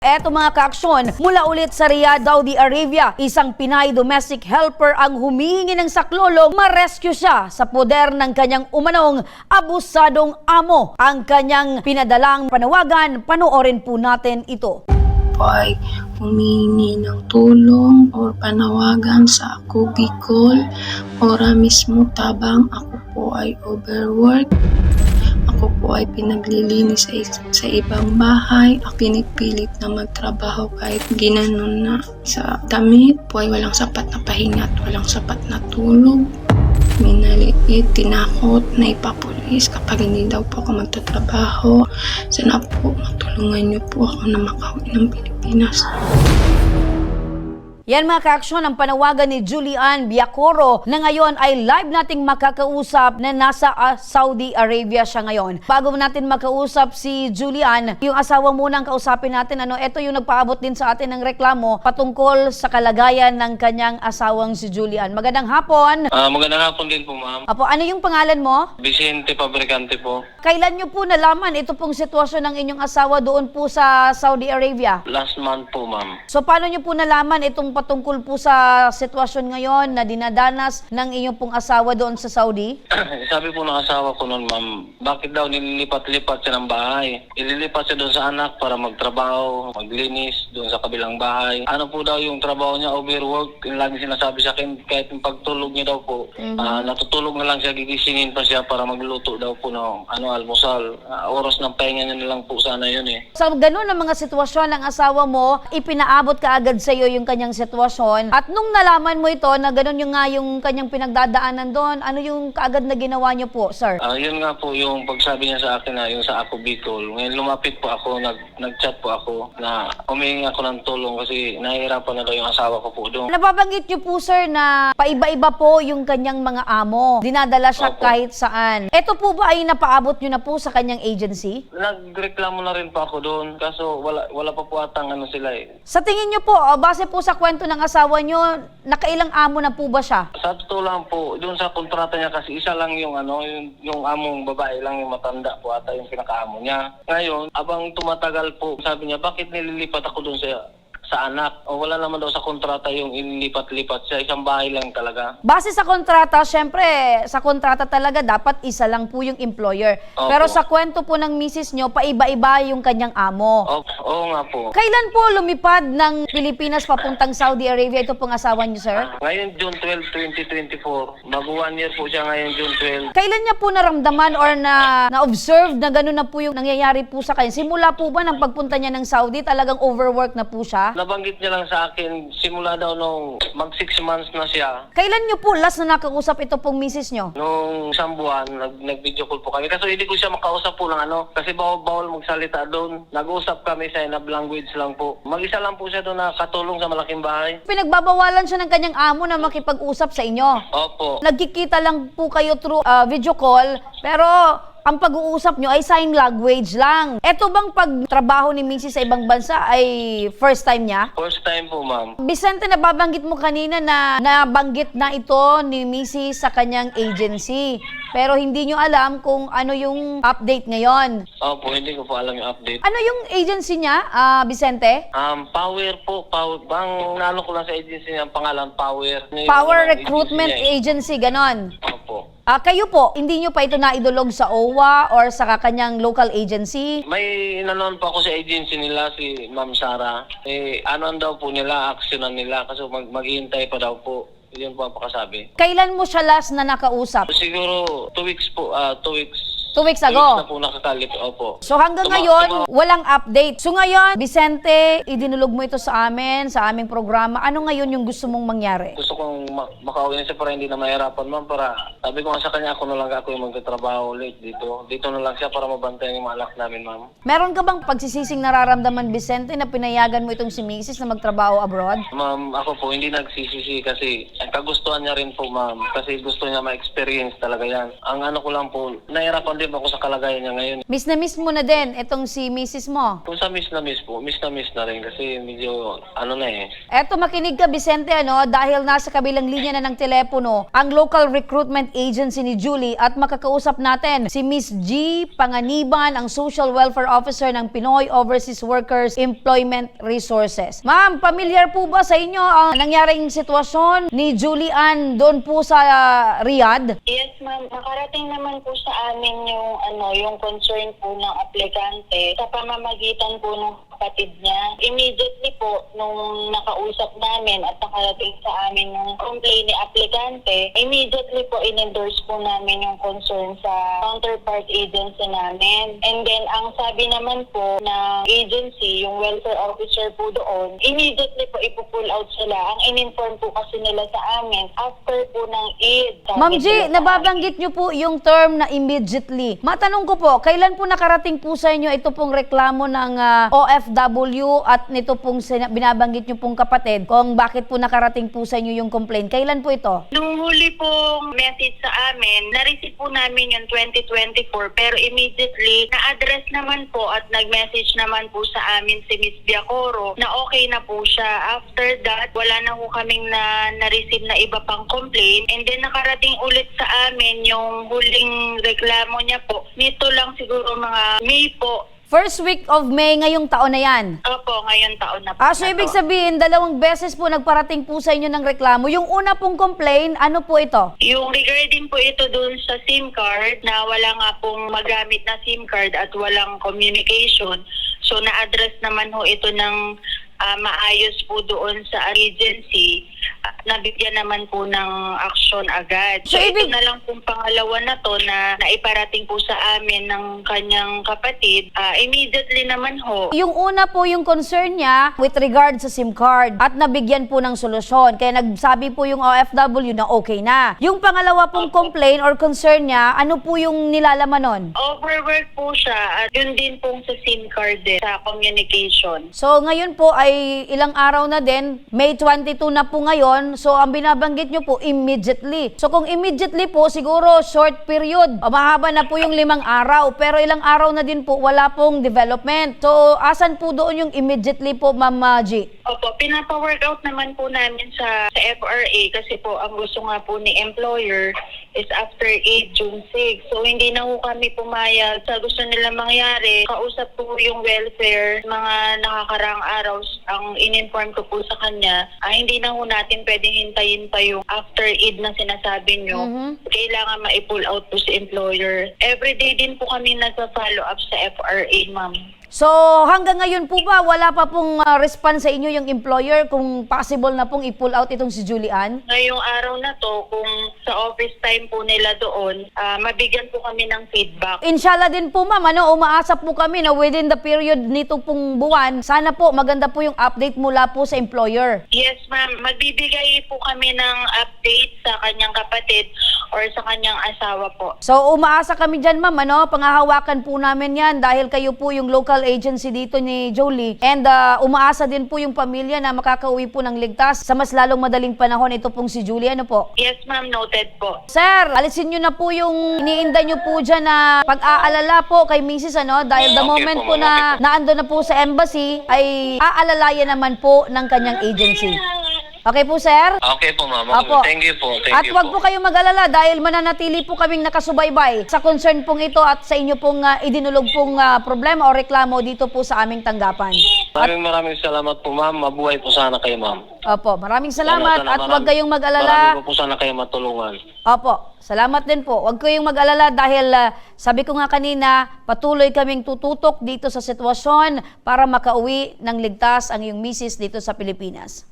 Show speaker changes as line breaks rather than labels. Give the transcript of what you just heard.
Eto mga kaaksyon, mula ulit sa Riyadh, Saudi Arabia, isang Pinay domestic helper ang humihingi ng saklolo ma-rescue siya sa poder ng kanyang umanong abusadong amo. Ang kanyang pinadalang panawagan, panoorin po natin ito.
Ay humingi ng tulong o panawagan sa ako Bicol, ora mismo tabang ako po ay overwork. Ako po ay pinaglilinis sa ibang bahay. Ako pinipilit na magtrabaho kahit ginanon na sa damit po ay walang sapat na pahinga at walang sapat na tulog. Minaliit, tinakot, na ipapulis kapag hindi daw po ako magtatrabaho. Sana po matulungan niyo po ako na makauwi ng Pilipinas.
Yan mga kaaksyon, ang panawagan ni Julian Biacoro na ngayon ay live nating makakausap na nasa Saudi Arabia siya ngayon. Bago natin makausap si Julian, yung asawa muna ang kausapin natin. Ito yung nagpaabot din sa atin ng reklamo patungkol sa kalagayan ng kanyang asawang si Julian. Magandang hapon.
Magandang hapon din po, ma'am.
Apo, ano yung pangalan mo?
Vicente Fabricante po.
Kailan nyo po nalaman ito pong sitwasyon ng inyong asawa doon po sa Saudi Arabia?
Last month po, ma'am.
So paano nyo po nalaman itong patungkol po sa sitwasyon ngayon na dinadanas ng inyong pong asawa doon sa Saudi?
Sabi po ng asawa ko noon, ma'am, bakit daw nililipat-lipat siya ng bahay? Ililipat siya doon sa anak para magtrabaho, maglinis doon sa kabilang bahay. Ano po daw yung trabaho niya, overwork. Yung lagi sinasabi sa akin, kahit yung pagtulog niya daw po, natutulog na lang siya, gigisingin pa siya para magluto daw po ng almusal. Oras ng pahinga niya na lang po sana yun eh.
Sa ganun ang mga sitwasyon ng asawa mo, ipinaabot ka agad sa iyo yung kanyang sitwasyon. At nung nalaman mo ito na ganun yung nga yung kanyang pinagdadaanan doon, ano yung kaagad na ginawa niyo po, sir?
Yun nga po yung pagsabi niya sa akin na yung sa ako Bicol. Ngayon lumapit po ako, nag-chat po ako na humingi ako ng tulong kasi nahihirapan na daw yung asawa ko po doon.
Nababanggit niyo po, sir, na paiba-iba po yung kanyang mga amo. Dinadala siya
Opo.
kahit saan. Ito po ba ay napaabot niyo na po sa kanyang agency?
Nagreklamo na rin po ako doon kaso wala pa po atang sila eh.
Sa tingin niyo po, base po sa kwento ng asawa niyo, nakailang amo na po ba siya?
Sa totoo lang po, doon sa kontrata niya kasi isa lang yung yung among babae lang yung matanda po ata yung pinakaamo niya. Ngayon, abang tumatagal po, sabi niya, bakit nililipat ako doon sa anak? O wala naman daw sa kontrata yung inilipat-lipat siya, isang bahay lang talaga.
Base sa kontrata, syempre, sa kontrata talaga dapat isa lang po yung employer.
Opo.
Pero sa kwento po ng misis nyo, paiba-iba yung kanyang amo.
Oo nga po.
Kailan po lumipad ng Pilipinas papuntang Saudi Arabia ito pong asawa niyo, sir?
Ngayon, June 12, 2024. Bago 1 year po siya ngayon, June 12.
Kailan niya po naramdaman or na-observe na gano'n na po yung nangyayari po sa kanya? Simula po ba ng pagpunta niya ng Saudi, talagang overwork na po siya?
Nabanggit niya lang sa akin, simula daw nung mag 6 months na siya.
Kailan niyo po last na nakausap ito pong misis niyo?
Nung isang buwan, nag-video call po kami. Kaso hindi ko siya makausap po ng kasi bawal magsalita doon. Nag-usap kami sa enough language lang po. Mag-isa lang po siya doon na katulong sa malaking bahay.
Pinagbabawalan siya ng kanyang amo na makipag-usap sa inyo.
Opo.
Nagkikita lang po kayo through video call, pero ang pag-uusap nyo ay sign language lang. Ito bang pagtrabaho ni Mrs. sa ibang bansa ay first time niya?
First time po, ma'am.
Vicente, nababanggit mo kanina na nabanggit na ito ni Mrs. sa kanyang agency. Pero hindi nyo alam kung ano yung update ngayon.
Opo, hindi ko po alam yung update.
Ano yung agency niya, Vicente?
Power po. Bang naano ko lang sa agency niya, ang pangalan, Power.
Power Recruitment Agency, ganon.
Opo.
Kayo po, hindi nyo pa ito naidulog sa OWA or sa kanyang local agency?
May inanon pa ako sa agency nila, si Ma'am Sara. Anuan daw po nila, actionan nila kasi maghihintay pa daw po. Yun po ang pakasabi.
Kailan mo siya last na nakausap?
Siguro 2 weeks po, 2 weeks.
2 weeks
2 weeks
ago.
na po nakakalit, opo.
So hanggang ngayon, walang update. So ngayon, Vicente, idinulog mo ito sa amin, sa aming programa. Ano ngayon yung gusto mong mangyari?
Gusto kong makauwi na siya para hindi na mahirapan, ma'am. Para sabi ko nga sa kanya, ako na lang ako yung magtatrabaho ulit dito. Dito na lang siya para mabantayan yung mga anak namin, ma'am.
Meron ka bang pagsisising nararamdaman, Vicente, na pinayagan mo itong si Mrs. na magtrabaho abroad?
Ma'am, ako po hindi nagsisisi kasi ang kagustuhan niya rin po, ma'am. Kasi gusto niya ma-experience talaga yan. Ang ano ko lang po, nahirapan din ako sa kalagayan niya ngayon.
Miss na miss mo na din itong si Mrs. mo.
Kung sa miss na miss po, miss na rin kasi medyo ano na eh.
Eto, makinig ka, Vicente, dahil nasa kabilang linya na ng telepono ang local recruitment agency ni Julie at makakausap natin si Miss G. Panganiban, ang Social Welfare Officer ng Pinoy Overseas Workers Employment Resources. Ma'am, familiar po ba sa inyo ang nangyaring sitwasyon ni Julie Ann doon po sa Riyadh?
Yes, ma'am. Nakarating naman po sa amin yung concern po ng aplikante sa pamamagitan po ng kapatid niya. Immediately po, nung nakausap namin at nakarating sa amin yung complaint ni aplikante, immediately po in-endorse po namin yung concern sa counterpart agency namin. And then, ang sabi naman po ng agency, yung welfare officer po doon, immediately po ipo-pull out sila. Ang in-inform po kasi nila sa amin after po ng Eid.
Ma'am G, nababanggit niyo po yung term na immediately. Matanong ko po, kailan po nakarating po sa inyo ito pong reklamo ng OFW at nito pong binabanggit niyo pong kapatid kung bakit po nakarating po sa inyo yung complaint? Kailan po ito?
Nung huli pong message sa amin, na-receive po namin yung 2024 pero immediately na-address naman po at nag-message naman po sa amin si Miss Biacoro na okay na po siya. After that, wala na po kaming na-receive na iba pang complaint and then nakarating ulit sa amin yung huling reklamo niya po. Nito lang siguro mga May po.
First week of May ngayong taon na yan.
Opo, ngayon taon na po.
So ibig sabihin, 2 beses po nagparating po sa inyo ng reklamo. Yung una pong complaint, ano po ito?
Yung regarding po ito dun sa SIM card na wala nga pong magamit na SIM card at walang communication. So na-address naman ho ito ng maayos po doon sa agency. Nabigyan naman po ng aksyon agad. So ito na lang pong pangalawa na to na naiparating po sa amin ng kanyang kapatid. Immediately naman ho.
Yung una po yung concern niya with regard sa SIM card at nabigyan po ng solusyon. Kaya nagsabi po yung OFW na okay na. Yung pangalawa pong complaint or concern niya, ano po yung nilalaman nun?
Overwork po siya at yun din pong sa SIM card din, sa communication.
So ngayon po ay ilang araw na din, May 22 na po ngayon. So ang binabanggit nyo po, immediately. So kung immediately po, siguro short period. Mahaba na po yung 5 araw. Pero ilang araw na din po, wala pong development. So asan po doon yung immediately po, Ma'am G?
Opo, pinapa-workout naman po namin sa FRA kasi po ang gusto nga po ni employer is after 8 June 6. So hindi na po kami pumayag sa gusto nila mangyari. Kausap po yung welfare mga nakakarang araw ang in-inform ko po sa kanya. Hindi na po natin pwedeng hintayin pa yung after Eid na sinasabi nyo. Kailangan ma-pull out po si employer. Everyday din po kami nagpa-follow up sa FRA, ma'am.
So hanggang ngayon po ba, wala pa pong response sa inyo yung employer kung possible na pong i-pull out itong si Julie Ann?
Ngayong araw na to, kung sa office time po nila doon, mabigyan po kami ng feedback.
Inshallah din po ma'am, umaasa po kami na within the period nito pong buwan, sana po maganda po yung update mula po sa employer.
Yes, ma'am. Magbibigay po kami ng update sa kanyang kapatid or sa kanyang asawa po.
So umaasa kami dyan ma'am, pangahawakan po namin yan dahil kayo po yung local agency dito ni Jolie and umaasa din po yung pamilya na makakauwi po ng ligtas sa mas lalong madaling panahon ito pong si Julie. Ano po?
Yes, ma'am. Noted po.
Sir, alisin nyo na po yung iniinda nyo po dyan na pag-aalala po kay Mrs. Dahil the
Okay
moment
po,
po
ma'am.
na naando na po sa embassy ay aalalayan naman po ng kanyang agency. Okay po, sir?
Okay po, ma'am.
Opo.
Thank you po.
At wag po kayong mag-alala dahil mananatili po kaming nakasubaybay sa concern pong ito at sa inyo pong idinulog pong problema o reklamo dito po sa aming tanggapan.
Maraming salamat po, ma'am. Mabuhay po sana kayo, ma'am.
Opo, maraming salamat at wag kayong mag-alala.
Marami po sana kayo matulungan.
Opo, salamat din po. Huwag kayong mag-alala dahil sabi ko nga kanina, patuloy kaming tututok dito sa sitwasyon para makauwi ng ligtas ang iyong misis dito sa Pilipinas.